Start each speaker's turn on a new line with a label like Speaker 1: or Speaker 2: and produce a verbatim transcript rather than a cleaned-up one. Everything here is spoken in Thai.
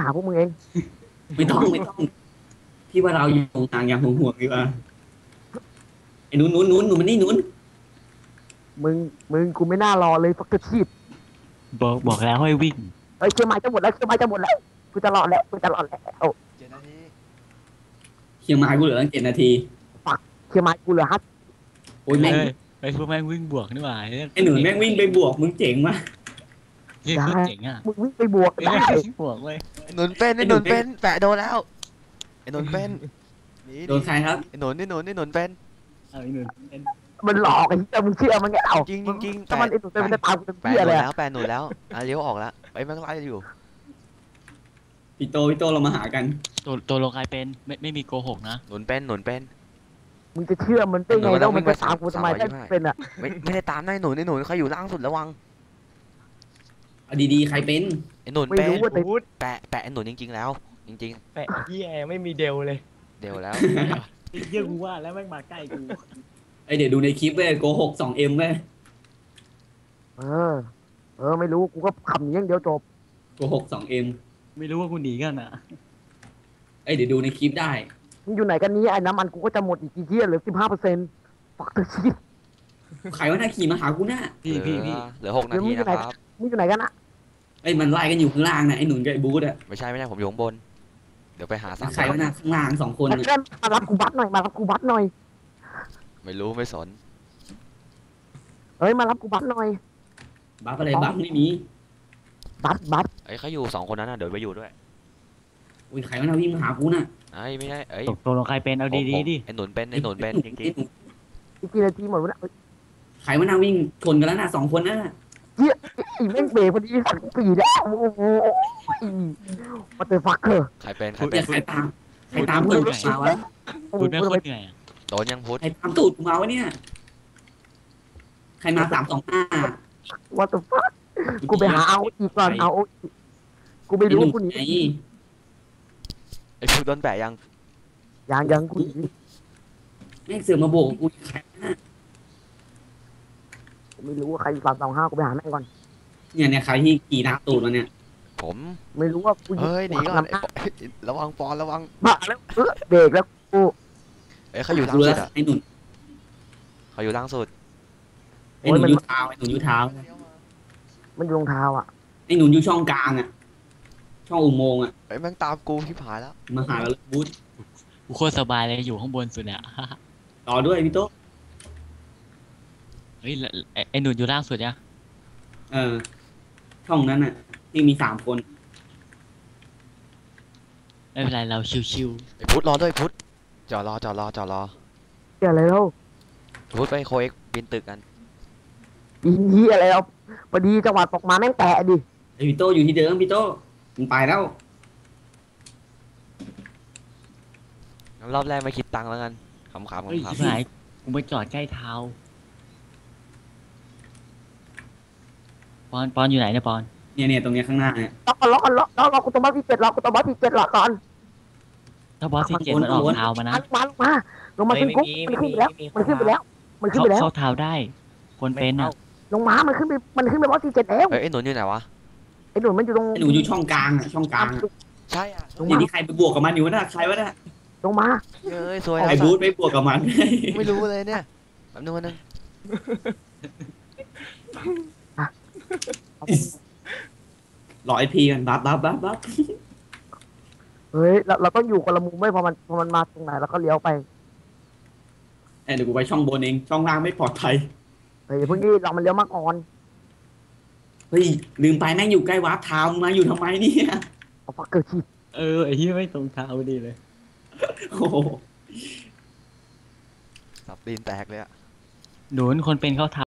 Speaker 1: หาพวกมึงเอง
Speaker 2: ไม่ต้องไม่ต้องพี่ว่าเราอยู่ตรงกลางอย่างห่วงๆดีกว่าไอ้นู้นนู้นนู้นหนูมันนี่นู้น
Speaker 1: มึงมึงกูไม่น่ารอเลยฟักเกอร์ชีพ
Speaker 3: บอกบอกแล้วให้วิ่ง
Speaker 1: เอ้ยเชียงใหม่จะหมดแล้วเชียงใหม่จะหมดแล้วกูจะรอดแล้วกูจะรอดแล้วโอ้
Speaker 4: เจ็ดนาที
Speaker 2: เชียงรายกูเหลือตั้งเจ็ดนาที
Speaker 1: เชียงใหม่กูเหลือห้า
Speaker 2: โอ้ยแม่ง
Speaker 3: เฮ้ยไอ้พวกแม่งวิ่งบวกนี่หว่า
Speaker 2: ไอ้หนูแม่งวิ่งไปบวกมึงเจ๋งมาก
Speaker 3: เฮ้ยเจ๋งอ่ะ
Speaker 1: มึงวิ่งไปบวกได้
Speaker 3: บวกเว้ย
Speaker 4: ไอ้หนุนเป็นไอ้หนุนเป็นแปะโดนแล้วไอ้หนุนเป็นนี่
Speaker 2: โดนใครครับ
Speaker 4: ไอ้หนุนไอ้หนุนไอ้หนุนเป็น
Speaker 3: เอาอีกหนึ่ง
Speaker 1: มันหลอกไอ้เหี้ยมึงเชื่อมันไงเอ้า
Speaker 4: จริงจริง
Speaker 1: ถ้ามันไอ้หนูเป็นมันจะตามกูเป็น
Speaker 4: แปะ
Speaker 1: เหี้ย
Speaker 4: โด
Speaker 1: เลย
Speaker 4: นแล้วแปะหนุนแล้วอ่ะเลี้ยวออกแล้วไอ้แม่งไล่อยู่
Speaker 2: พี่โตพี่โตเรามาหากัน
Speaker 3: ตัวตัวลงใครเป็นไม่ไม่มีโกหกนะ
Speaker 4: หนุนเป็นหนุนเป็น
Speaker 1: มึงจะเชื่อมันได้ไงแล้วมันจะตามกูทำไมได้เป็นอ่ะ
Speaker 4: ไม่ไม่ได้ตามนายหนุนไอ้หนุนเขาอยู่ล่างสุดระวัง
Speaker 2: เอาดีๆใครเป็น
Speaker 4: ไอ้หนุน
Speaker 1: ไม่
Speaker 4: เป็น
Speaker 1: รู้ว่าแต่
Speaker 4: แปะแปะไอ้หนุนจริงๆแล้ว จริง
Speaker 5: แปะเฮียไม่มีเดลเลย
Speaker 4: ๆเดี๋ยวแล้ว
Speaker 3: เยี่ยกูว่าแล้วแม่งมาใกล้กู
Speaker 2: ไอเดี๋ยวดูในคลิปเว้ยโกหกสองเอ็มเว้ย
Speaker 1: เออเออไม่รู้กูก็ขำอย่างเดียวจบ
Speaker 2: โกหกสองเอ็ม
Speaker 3: ไม่รู้ว่ากูหนีกันอ่ะ
Speaker 2: ไอเดี๋ยวดูในคลิปได้
Speaker 1: มึงอยู่ไหนกันนี้ไอ้น้ำมันกูก็จะหมดอีกกี่เที่ยเหลือสิบห้าเปอร์เซ็นต์ฟักเกอร์ชีพ
Speaker 2: ใครว่าหน้าขี่มาหากูน่ะ
Speaker 3: พี่พี่พี่
Speaker 4: เหลือหกนาทีนะครับ
Speaker 1: มึงอยู่ไหนกันอะ
Speaker 2: ไอยมันไล่กันอยู่ข้างล่างนะไอหนุนกับไอบูธอะ
Speaker 4: ไม่ใช่ไม่ใช่ผมอยู่ข้างบน เดี๋ยวไปหาสาม
Speaker 2: ใครว่าหน้าข้างล่างสองคน
Speaker 1: ไอ้
Speaker 2: น่ะ
Speaker 1: เพื่อนมารับกูบัตรหน่อยมารับกูบัตรหน่อย
Speaker 4: ไม่รู้ไม่สน
Speaker 1: เฮ้ยมารับกูบัตรหน่อย
Speaker 2: บัฟอะไรบัฟไม่มี
Speaker 1: บัตรบัตร
Speaker 4: ไอ้เขาอยู่สองคนนั้นน่ะเดี๋ยวไปอยู่ด้วย
Speaker 2: อุ้ยใครว่าหน้าวิ่งมาหากูน่ะ
Speaker 4: ไอ้ไม่ใช่เอ้ย
Speaker 3: ตกตัวลงใครเป็นเอาดีๆดิ
Speaker 4: ไอ้หนุนเป็นไอ้หนุนเป็นจริง
Speaker 1: อีกกี่นาทีหมดวะเนี่ย
Speaker 2: ใครว่าหน้าวิ่งชนกันแล้วน่ะสองคนนั่นน่ะ
Speaker 1: อีแม่งเบรกพอดีสั่งปีแล้วโอ้โหมาเตอร์ฟักเกอร์
Speaker 4: ๆใครเป็นใคร
Speaker 2: พูด
Speaker 4: เป็
Speaker 2: แต่
Speaker 4: น
Speaker 2: ใครตามใครตามตูดกูมาวะ
Speaker 3: คุณแม่งโคตรเหนื่อยอะ
Speaker 4: โดนยังพุทธ
Speaker 2: ใครตามตูดกูมาวะเนี่ยใครมาสามสองห้า
Speaker 1: ว่าเตอร์ฟักกูไปหาเอาอีกก่อนเอาอีกกูไม่
Speaker 2: ไอ้
Speaker 1: รู้
Speaker 2: หนุ่ม
Speaker 1: กูหนี
Speaker 2: ไอ้
Speaker 4: ไอ้พุทธโดนแปะยัง
Speaker 1: ยังยังกูหนี
Speaker 2: แม่งเสือกมาโบกกูใครน่ะ
Speaker 1: กูไม่รู้ว่าใครสามสองห้ากูไปหาแม่งก่อน
Speaker 2: เนี่ยเนี่ยใครที่ขี่ตามตูดมาเนี่ย
Speaker 4: ผม
Speaker 1: ไม่รู้ว่ากู
Speaker 4: เฮ้ยหนีก่อน
Speaker 1: น
Speaker 4: ไอ้ปอระวังปอนระวัง
Speaker 1: มาแล้วเออเบรกแล้วกู
Speaker 4: เอ้ยเขาอยู่ล่าง
Speaker 2: ดู
Speaker 4: สุ
Speaker 2: แล้
Speaker 4: ด
Speaker 2: ว
Speaker 4: อ่ะ
Speaker 2: ไอ้หนุ่น
Speaker 4: เขาอยู่ล่างสุด
Speaker 2: ไอ้หนุ่นยูเท้าไอ้หนุ่นยูเท้า
Speaker 1: มันอยู่รองเท้าอ่ะ
Speaker 2: ไอ้หนุ่นยูช่องกลางอ่ะช่องอุโมงค์อ่ะ
Speaker 4: ไอ้ยแม่งตามกูที่ผายแล้ว
Speaker 2: มาหาแล้วบูธ
Speaker 3: กูโคตรสบายเลยอยู่ข้างบนสุดเนี่ย
Speaker 2: ต่อด้วยพี่โต๊ะ
Speaker 3: เฮ้ยไอ้ไอ้หนุนอยู่ล่างสุดเนี่ย
Speaker 2: เออช่องนั้นอ่ะที่มีสามคน
Speaker 3: ไม่เป็นไรเราชิว
Speaker 4: ไอ้พุทธรอด้วยพุทธจอดรอจอดรอจอดรอ
Speaker 1: เหี้ยอะไรแล้ว
Speaker 4: พุทธไปโคเอ็กบินตึกกัน
Speaker 1: อีเหี้ยอะไรแล้วพอดีจังหวะตกมาแม่งแตะดิ
Speaker 2: ไอ้พี่โต้อยู่ที่เดิมพี่โต้มันไปแล้ว
Speaker 4: งั้นรอบแรกไม่คิดตังค์แล้วกันขำๆข
Speaker 3: ๆเฮ้ย
Speaker 4: ำ
Speaker 3: ชิบหายกูไปจอดใกล้เท้าปอนปอนอยู่ไหนเนี่ยปอน
Speaker 2: เนี่ยเนี่ยตรงเนี้ยข้างหน้าเนี่ย
Speaker 1: ล็อกล็อกล็อกล็อกล็อกกูต้องมาที่เจ็ดล็อกกูต้องมาที่เจ็ดล็อกก่อน
Speaker 3: ถ้าบอสที่เจ็ดมันออกเท้ามานะ
Speaker 1: มาลงมาลงมาขึ้นกุ๊บมันขึ้นไปแล้วมันขึ้นไปแล้วมันขึ้น
Speaker 3: เขา
Speaker 1: ไปแล้ว
Speaker 3: เข้าเท้าได้ คนเป็นอ่ะ
Speaker 1: ลงมามันขึ้นไปมันขึ้นไปบอสที่เจ็ดแล้ว
Speaker 4: เอ้ยไอ้หนุนอยู่ไหนวะ
Speaker 1: ไอ้หนุ่มมันอยู่ตรง
Speaker 2: ไอ้หนูอยู่ช่องกลางอ่ะช่องกลางอะ
Speaker 4: ใช่อ่ะ
Speaker 1: ลง
Speaker 2: เนี่
Speaker 1: มาย
Speaker 2: ที่ใครไปบวกกับมันอยู่วะน่ะใครวะน่ะ
Speaker 1: ลงมา
Speaker 4: เอ้ยสวย
Speaker 2: ไอ้บูธไปบวกกับมัน
Speaker 4: ไม่รู้เลยเนี่ยแป๊บนึงวันนึง
Speaker 2: รอไอพีกันบัฟบัฟบัฟบัฟ
Speaker 1: เฮ้ยเราเราต้องอยู่คนละมุมไม่พอมันพอมันมาตรงไหนเราก็เลี้ยวไป
Speaker 2: เอ้ยเดี๋ยวกูไปช่องบนเองช่องล่างไม่ปลอดภัย
Speaker 1: เฮ้ยเพิ่งนี้เรามันเลี้ยวมาก่อน
Speaker 2: เฮ้ยลืมไปแม่งอยู่ใกล้วาร์ปทาวน์มาอยู่ทำไมเนี่ย
Speaker 1: เอาฟักเกอร์ชีพ
Speaker 3: เออไอ้ที่ไม่ตรงเท้าดีเลย
Speaker 2: โอ้โห
Speaker 4: สับตีนแตกเลยอ่ะ
Speaker 3: หนุนคนเป็นเข้าเท้า